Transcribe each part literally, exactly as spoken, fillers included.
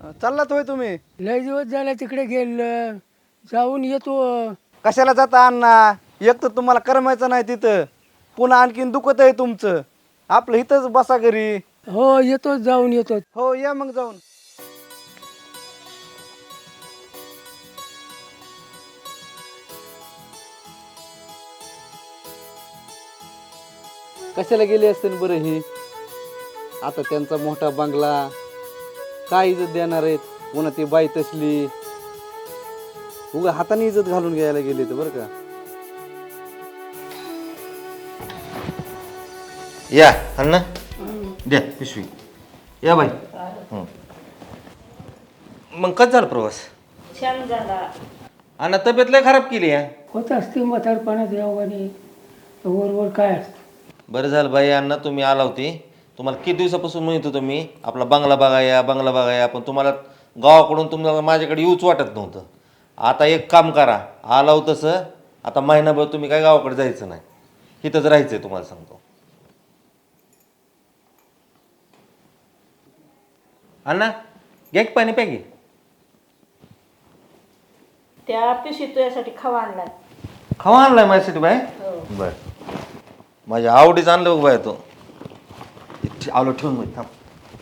चाललात होय तुम्ही? लय दिवस झाला तिकडे गेलं, जाऊन येतो. कशाला जाता अण्णा? एक तर तुम्हाला करमायचं नाही तिथं, पुन्हा आणखीन दुखत आहे तुमचं. आपलं इथंच बसा घरी. हो येतो, जाऊन येतो. हो या मग जाऊन. कशाला गेले असते बरं हे? आता त्यांचा मोठा बंगला, काय इज्जत देणार आहेत? पुन्हा ती बाई तसली, उगा हाताने इज्जत घालून घ्यायला गेले तर बरं का. या अण्णा द्या पिशवी. या बाई. हं. मग कसं झालं प्रवास? छान झाला. अण्णा तब्येत लय खराब केली आहे. होत असते म्हातारपणात यावाने, वरवर काय असतं. बरं झालं बाई अण्णा तुम्ही आला होती. तुम्हाला किती दिवसापासून म्हणत होतो मी आपला बंगला बघा या बंगला बघा या, पण तुम्हाला गावाकडून तुम्हाला माझ्याकडे येऊच वाटत नव्हतं. आता एक काम करा, आला हो तसं आता महिनाभर तुम्ही काय गावाकडे जायचं नाही, इथंच राहायचं आहे तुम्हाला सांगतो. अण्णा घ्या की पाणी प्या की. त्या पिशवीत तुझ्यासाठी खवा आणलाय. खवा आणलाय माझ्यासाठी बाय? बर, माझ्या आवडीचं आणलं बघ बाय. तो आलो ठेवून मग थांब.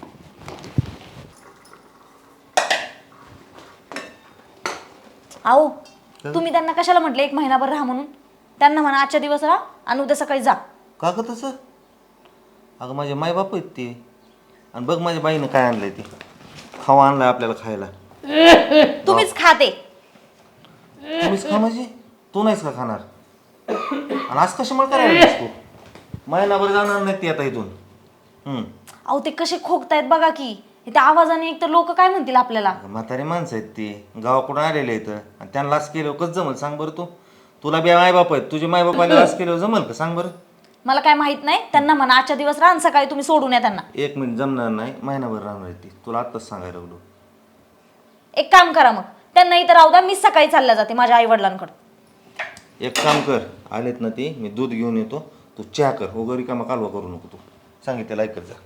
आओ तुम्ही त्यांना कशाला म्हटले एक महिनाभर राहा म्हणून? त्यांना म्हणा आजच्या दिवस राहा आणि उद्या सकाळी जा. का ग तसं? अगं माझे मायबाप आहेत ते. आणि बघ माझ्या बाईनं काय आणलंय ते, खावा आणलाय आपल्याला खायला. तुम्हीच खाते. तुम्हीच खा म्हणजे? तू नाहीस का खाणार? आणि आज कशामुळे करायला तू? महिनाभर जाणार नाही ती आता इथून. हम्म. अहो ते कसे खोकतायत बघा की, त्या आवाजाने एक तर लोक काय म्हणतील आपल्याला. म्हातारी माणसं आहेत ती, गावाकडून आलेले आहेत आणि त्यांना लास केलं कसं जमल सांग बरं तू? तुला बी मायबाप आहेत, तुझे मायबाप आले लास केलं जमल का सांग बरं? मला काय माहित नाही. त्यांना म्हणा आजच्या दिवस राहा आणि सकाळी तुम्ही सोडून या त्यांना. एक मिनिट जमणार नाही, महिनाभर राहणार आहे ती, तुला आत्ताच सांगायला लागलो. एक काम करा मग, त्यांना इथं राहू द्या, मी सकाळी चालल्या जाते माझ्या आई वडिलांकडे. एक काम कर, आलेत ना ती, मी दूध घेऊन येतो, तू चहा कर, वगैरे कामा कालवा करू नको. तू सांगितलं ऐकत जा.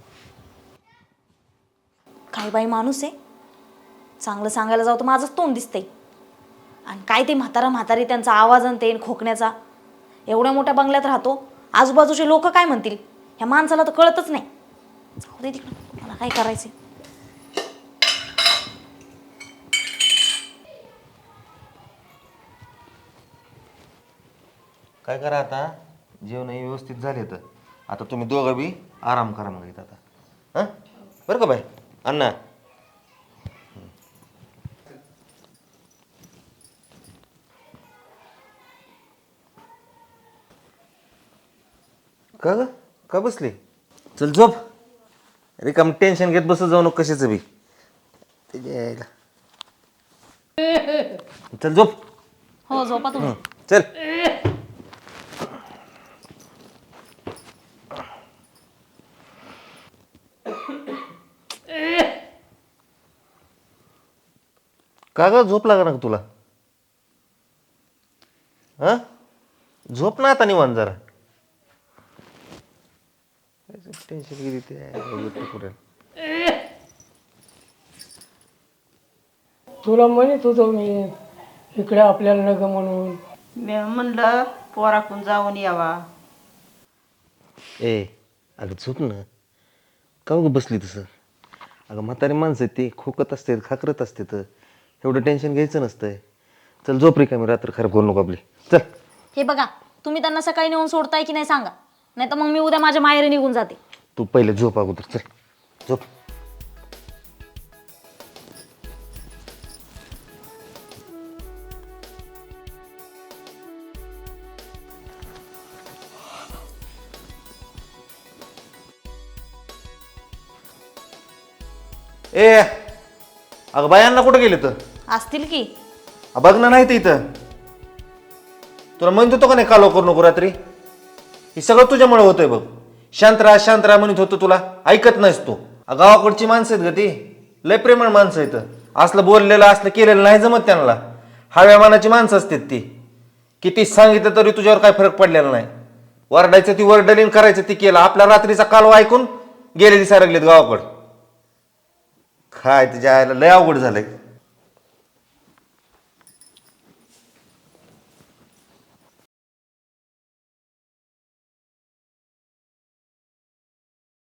काय बाई माणूस आहे, चांगलं सांगायला जाऊ तर माझंच तोंड दिसतंय. आणि काय ते म्हातारा म्हातारी त्यांचा आवाज आणि ते खोकण्याचा. एवढ्या मोठ्या बंगल्यात राहतो, आजूबाजूचे लोक काय म्हणतील ह्या माणसाला तर कळतच नाही. जाऊ दे तिकडं, मला काय करायचंय. काय करा आता, जेवणही व्यवस्थित झाले तर आता तुम्ही दोघं बी आराम करा मग इथं आता. हां बरं का बाई? अण्णा का ग का बसली? चल झोप, रिकाम टेन्शन घेत बसत जाऊ नको कशाचं बी. चल झोप. हो झोपा तुम्ही. चल. का ग झोप लागा ना तुला? हा झोप ना आता निवांत जरा. टेन्शन गेली ते. तुला म्हणत होतो मी इकडे आपल्याला नग म्हणून. मी म्हणलं पोराकून जाऊन यावा. ए अगं झोप ना, का ग बसली तसं? अगं म्हातारी माणसं आहेत ती, खोकत असते खाकरत असते, तर एवढं टेन्शन घ्यायचं नसतंय. चल झोप रे, का मी रात्र खराब करू नको आपली. चल. हे बघा तुम्ही त्यांना सकाळी नेऊन सोडताय की नाही सांगा, नाही तर मग मी उद्या माझ्या माहेरी निघून जाते. तू पहिले झोप अगोदर. चल झोप. ए अगं बायांना कुठं गेले तर? असतील की. बघ ना, नाही तर इथं तुला म्हणत होतो का नाही कालवा करू नको रात्री? हे सगळं तुझ्यामुळे होतंय बघ. शांत राहा शांत राहा म्हणत होतो तुला, ऐकत नाहीस तू. गावाकडची माणसं आहेत ग ती, लय प्रेमळ माणसं आहेत. असलं बोललेलं असलं केलेलं नाही जमत त्यांना. हव्या मानाची माणसं असतात ती. किती सांगितलं तरी तुझ्यावर काय फरक पडलेला नाही. वरडायचं ती वरडलीन, करायचं ती केलं. आपल्या रात्रीचा कालवा ऐकून गेले दिसायला लागलेत गावाकडं. काय तुझ्या आईला लय अवघड झालंय